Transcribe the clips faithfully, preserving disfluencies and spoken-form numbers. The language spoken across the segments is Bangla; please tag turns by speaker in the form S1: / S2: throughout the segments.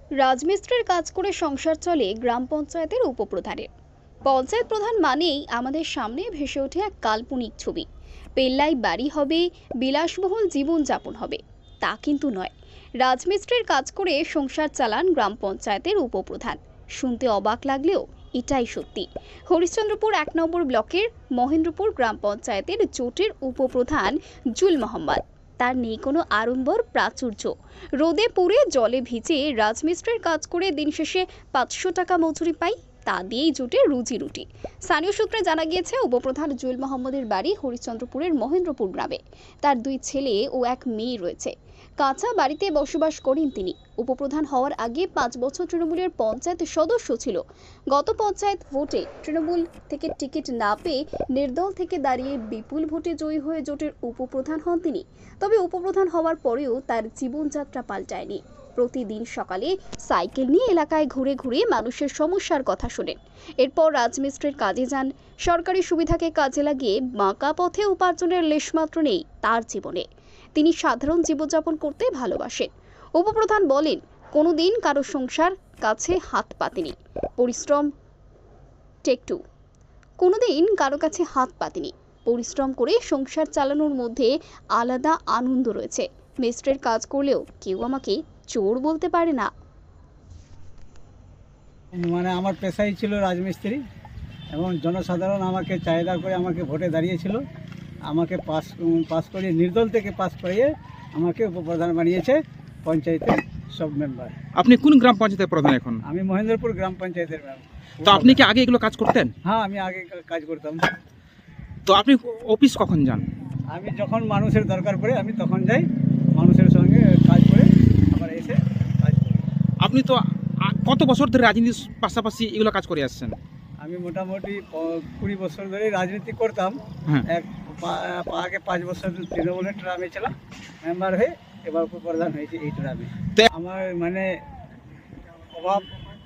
S1: রাজমিস্ত্রির কাজ করে সংসার চলে গ্রাম পঞ্চায়েতের উপপ্রধানের। পঞ্চায়েত প্রধান মানেই আমাদের সামনে ভেসে ওঠে এক কাল্পনিক ছবি। পেল্লাই বাড়ি হবে, বিলাসবহুল জীবনযাপন হবে। তা কিন্তু নয়। রাজমিস্ত্রির কাজ করে সংসার চালান গ্রাম পঞ্চায়েতের উপপ্রধান। শুনতে অবাক লাগলেও এটাই সত্যি। হরিশ্চন্দ্রপুর এক নম্বর ব্লকের মহেন্দ্রপুর গ্রাম পঞ্চায়েতের জোটের উপপ্রধান জুল মোহাম্মদ। তার নেই কোনো আড়ম্বর প্রাচুর্য। রোদে পুড়ে জলে ভিজে রাজমিস্ত্রির কাজ করে দিন শেষে পাঁচশো টাকা মজুরি পাই। তা দিয়েই জুটে রুজি রুটি। স্থানীয় সূত্রে জানা গিয়েছে, উপপ্রধান জুয়েল মোহাম্মদের বাড়ি হরিশ্চন্দ্রপুরের মহেন্দ্রপুর গ্রামে। তার দুই ছেলে ও এক মেয়ে রয়েছে। কাঁচা বাড়িতে বসবাস করেন তিনি। উপপ্রধান হওয়ার আগে পাঁচ বছর তৃণমূলের পঞ্চায়েত সদস্য ছিল। গত পঞ্চায়েত ভোটে তৃণমূল থেকে টিকিট না পেয়ে নির্দল থেকে দাঁড়িয়ে বিপুল ভোটে জয়ী হয়ে জোটের উপপ্রধান হন তিনি। তবে উপপ্রধান হওয়ার পরেও তার জীবনযাত্রা পাল্টায়নি। প্রতিদিন সকালে সাইকেল নিয়ে এলাকায় ঘুরে ঘুরে মানুষের সমস্যার কথা শোনেন। এরপর রাজমিস্ত্রির কাজে যান। সরকারি সুবিধাকে কাজে লাগিয়ে বাঁকা পথে উপার্জনের লেশমাত্র নেই তার জীবনে। তিনি সাধারণ জীবনযাপন করতে ভালোবাসেন। উপপ্রধান বলেন, কোনোদিন কারো সংসার কাছে হাত পাতেনি। পরিশ্রম টেক টু কোনোদিন কারো কাছে হাত পাতেনি। পরিশ্রম করে সংসার চালানোর মধ্যে আলাদা আনন্দ রয়েছে। মিস্ত্রির কাজ করলেও কেউ আমাকে চোর বলতে পারে না।
S2: মানে আমার পেশাই ছিল রাজমিস্ত্রি, এবং জনসাধারণ আমাকে চাহিদা করে আমাকে ভোটে দাঁড়িয়েছিল। আমাকে পাস পাস করিয়ে নির্দল থেকে পাস করিয়ে আমাকে উপপ্রধান বানিয়েছে পঞ্চায়েতের সব মেম্বার।
S3: আপনি কোন গ্রাম পঞ্চায়েতের প্রধান এখন?
S2: আমি মহেন্দ্রপুর গ্রাম পঞ্চায়েতের মেম্বার।
S3: তো আপনি কি আগে এগুলো কাজ করতেন?
S2: হ্যাঁ, আমি আগে কাজ করতাম।
S3: তো আপনি অফিস কখন যান?
S2: আমি যখন মানুষের দরকার পড়ে আমি তখন যাই, মানুষের সঙ্গে কাজ করে আবার এসে কাজ করি।
S3: আপনি তো আ- কত বছর ধরে রাজনীতির পাশাপাশি এগুলো কাজ করে আসছেন?
S2: আমি মোটামুটি প- কুড়ি বছর ধরে রাজনীতি করতাম।
S3: হ্যাঁ।
S2: এক পা- আগে পাঁচ বছর তৃণমূলের ট্রামে ছিলাম মেম্বার হয়ে, এবার উপপ্রধান হয়েছে এই ট্রামে।
S3: তো-
S2: আমার মানে অভাব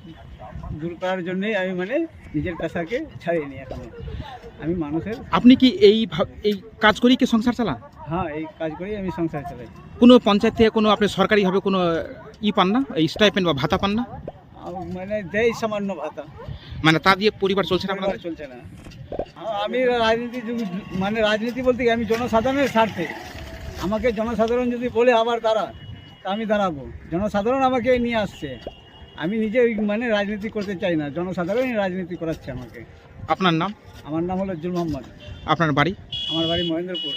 S2: দূর করার জন্যই আমি মানে নিজের পেশাকে ছাড়িয়ে নিই। এখন আমি মানুষের
S3: আপনি কি এই ভাব- এই কাজ করেই কি সংসার চালান?
S2: হ্যাঁ, এই কাজ করেই আমি সংসার চালাই।
S3: কোনো পঞ্চায়েত থেকে কোনো আপনি সরকারিভাবে কোনো ই পান না, এই স্টাইপেন্ড বা ভাতা পান না?
S2: আম- মানে দেয় সামান্য ভাতা,
S3: মানে তা দিয়ে পরিবার চলছে না
S2: পরিবার
S3: আপনাদের?
S2: চলছে না। আ- আমি রাজনীতি যুগ- মানে রাজনীতি বলতে কি, আমি জনসাধারণের স্বার্থে। আমাকে জনসাধারণ যদি বলে আবার দাঁড়া, তা আমি দাঁড়াবো। জনসাধারণ আমাকে নিয়ে আসছে, আমি নিজে ওই মানে রাজনীতি করতে চাই না, জনসাধারণই রাজনীতি করাচ্ছে আমাকে।
S3: আপনার নাম?
S2: আমার নাম হলো জুল মোহাম্মদ।
S3: আপনার বাড়ি?
S2: আমার বাড়ি মহেন্দ্রপুর।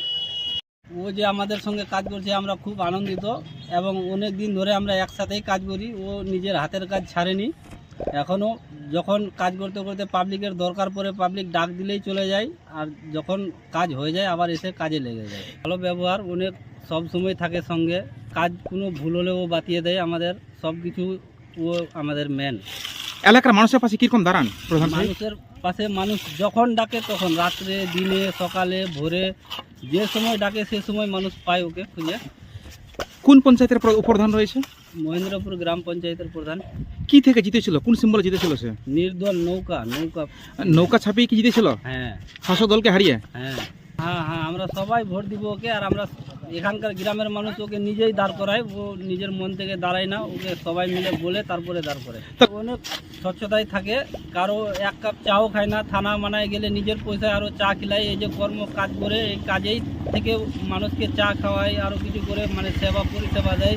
S4: ও যে আমাদের সঙ্গে কাজ করছে আমরা খুব আনন্দিত, এবং অনেক দিন ধরে আমরা একসাথেই কাজ করি। ও নিজের হাতের কাজ ছাড়েনি। এখনও যখন কাজ করতে করতে পাবলিকের দরকার পড়ে পাবলিক ডাক দিলেই চলে যায়, আর যখন কাজ হয়ে যায় আবার এসে কাজে লেগে যায়। ভালো ব্যবহার, অনেক সব সময় থাকে সঙ্গে। কাজ কোনো ভুল হলেও ও বাতিয়ে দেয় আমাদের সব কিছু। ও আমাদের মেন।
S3: এলাকার মানুষের পাশে কিরকম দাঁড়ান প্রধান সাহেব?
S4: মানুষের পাশে মানুষ যখন ডাকে তখন, রাত্রে, দিনে, সকালে, ভোরে, যে সময় ডাকে সে সময় মানুষ পায় ওকে খুঁজে।
S3: কোন পঞ্চায়েতের প্র- উপপ্রধান রয়েছে?
S4: মহেন্দ্রপুর গ্রাম পঞ্চায়েতের প্রধান।
S3: কি থেকে জিতেছিল? কোন সিম্বলে জিতেছিল সে?
S4: নির্দল নৌকা নৌকা
S3: নৌকা ছাপিয়ে কি জিতেছিল
S4: হ্যাঁ
S3: শাসক দলকে হারিয়ে?
S4: হ্যাঁ হ্যাঁ হ্যাঁ আমরা সবাই ভোট দিব ওকে। আর আমরা এখানকার গ্রামের মানুষ ওকে নিজেই দাঁড় করায়। ও নিজের মন থেকে দাঁড়ায় না, ওকে সবাই মিলে বলে তারপরে দাঁড় করে।
S3: তা-
S4: অনেক স্বচ্ছতায় থাকে, কারো এক কাপ চাও খায় না। থানা মানায় গেলে নিজের পয়সায় আরও চা খিলায়। এই যে কর্ম কাজ করে, এই কাজেই থেকে মানুষকে চা খাওয়ায়, আরও কিছু করে মানে সেবা পরিষেবা দেয়।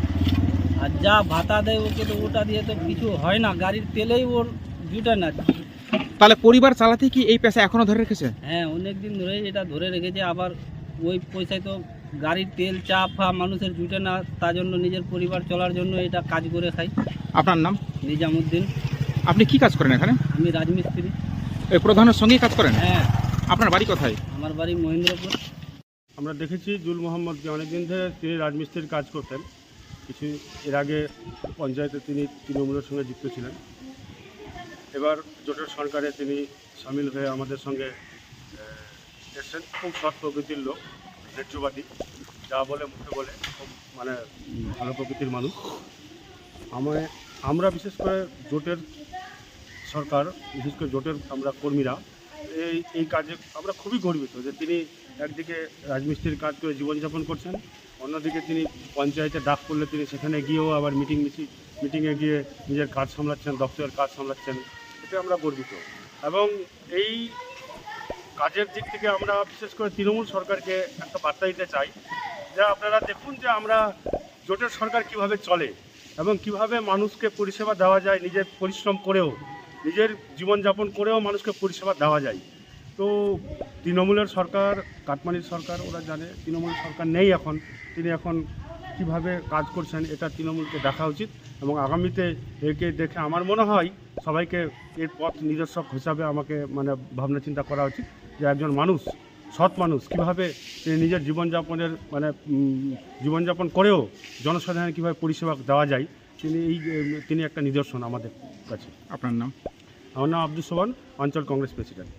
S4: আর যা ভাতা দেয় ওকে, তো ওটা দিয়ে তো কিছু হয় না, গাড়ির তেলেই ওর জুটে না।
S3: তাহলে পরিবার চালাতে কি এই পেশা এখনো ধরে রেখেছে?
S4: হ্যাঁ, অনেক দিন ধরেই এটা ধরে রেখেছে। আবার ওই পয়সায় তো গাড়ির তেল চা ফা মানুষের জুটে না, তার জন্য নিজের পরিবার চলার জন্য এটা কাজ করে খাই।
S3: আপনার নাম?
S4: নিজামুদ্দিন।
S3: আপনি কি কাজ করেন এখানে?
S4: আমি রাজমিস্ত্রি।
S3: এই প্রধানের সঙ্গেই কাজ করেন?
S4: হ্যাঁ,
S3: আপনার বাড়ি কোথায়?
S4: আমার বাড়ি মহেন্দ্রপুর।
S5: আমরা দেখেছি জুল মোহাম্মদকে অনেকদিন ধরে তিনি রাজমিস্ত্রির কাজ করতেন। কিছু এর আগে পঞ্চায়েতে তিনি তৃণমূলের সঙ্গে যুক্ত ছিলেন। এবার জোটের সরকারে তিনি সামিল হয়ে আমাদের সঙ্গে আহ, এসেছেন। খুব সৎ প্রকৃতির লোক, ন্যায্যবাদী, যা বলে মুখে বলে, খুব মানে উম, ভালো প্রকৃতির মানুষ। আমায় আমরা বিশেষ করে জোটের সরকার, বিশেষ করে জোটের আমরা কর্মীরা এই এই কাজে আমরা খুবই গর্বিত যে তিনি একদিকে রাজমিস্ত্রির কাজ করে জীবনযাপন করছেন, অন্যদিকে তিনি পঞ্চায়েতে ডাক করলে তিনি সেখানে গিয়েও আবার মিটিং মিছিল মিটিংয়ে গিয়ে নিজের কাজ সামলাচ্ছেন, দপ্তরের কাজ সামলাচ্ছেন, এতে আমরা গর্বিত। এবং এই কাজের দিক থেকে আমরা বিশেষ করে তৃণমূল সরকারকে একটা বার্তা দিতে চাই যে আপনারা দেখুন যে আমরা জোটের সরকার কিভাবে চলে এবং কিভাবে মানুষকে পরিষেবা দেওয়া যায়, নিজের পরিশ্রম করেও, নিজের জীবনযাপন করেও মানুষকে পরিষেবা দেওয়া যায়। তো তৃণমূলের সরকার, কাটমানির সরকার, ওরা জানে তৃণমূল সরকার নেই এখন, তিনি এখন কিভাবে কাজ করছেন এটা তৃণমূলকে দেখা উচিত এবং আগামীতে একে দেখে আমার মনে হয় সবাইকে এর পথ নিদর্শক হিসাবে আমাকে মানে ভাবনা চিন্তা করা উচিত যে একজন মানুষ, সৎ মানুষ কীভাবে তিনি নিজের জীবনযাপনের মানে উম, জীবনযাপন করেও জনসাধারণের কীভাবে পরিষেবা দেওয়া যায়, তিনি এই তিনি একটা নিদর্শন আমাদের কাছে।
S3: আপনার নাম?
S5: আমার নাম আব্দুল সোবান, অঞ্চল কংগ্রেস প্রেসিডেন্ট।